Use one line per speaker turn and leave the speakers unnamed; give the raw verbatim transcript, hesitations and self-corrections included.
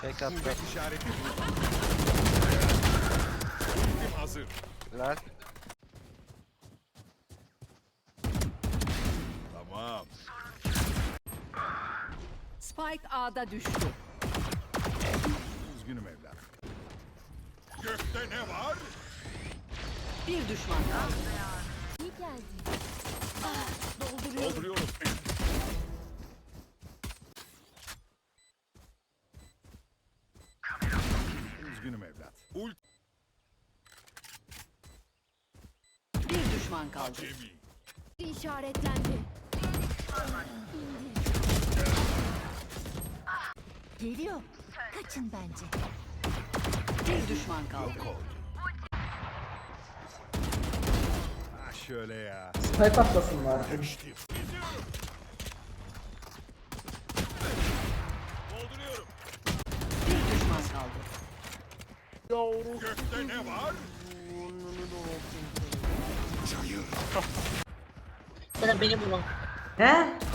Tek attı.
Kuvvet işareti bu. Ultim hazır.
Lan.
Tamam.
Spike A'da düştü.
Üzgünüm evlat. Gökte ne var?
Bir düşman kaldı.
İyi geldi.
Dolduruyorum. Üzgünüm evlat. Ult
Bir düşman kaldı.
Cemi.
İşaretlendi. Geliyor. Kaçın bence.
Bir düşman kaldı.
Ha şöyle ya.
Snipe atlasınlar.
Dolduruyorum.
Bir düşman kaldı.
Gökte ne var?
Ya da beni bulun.
He?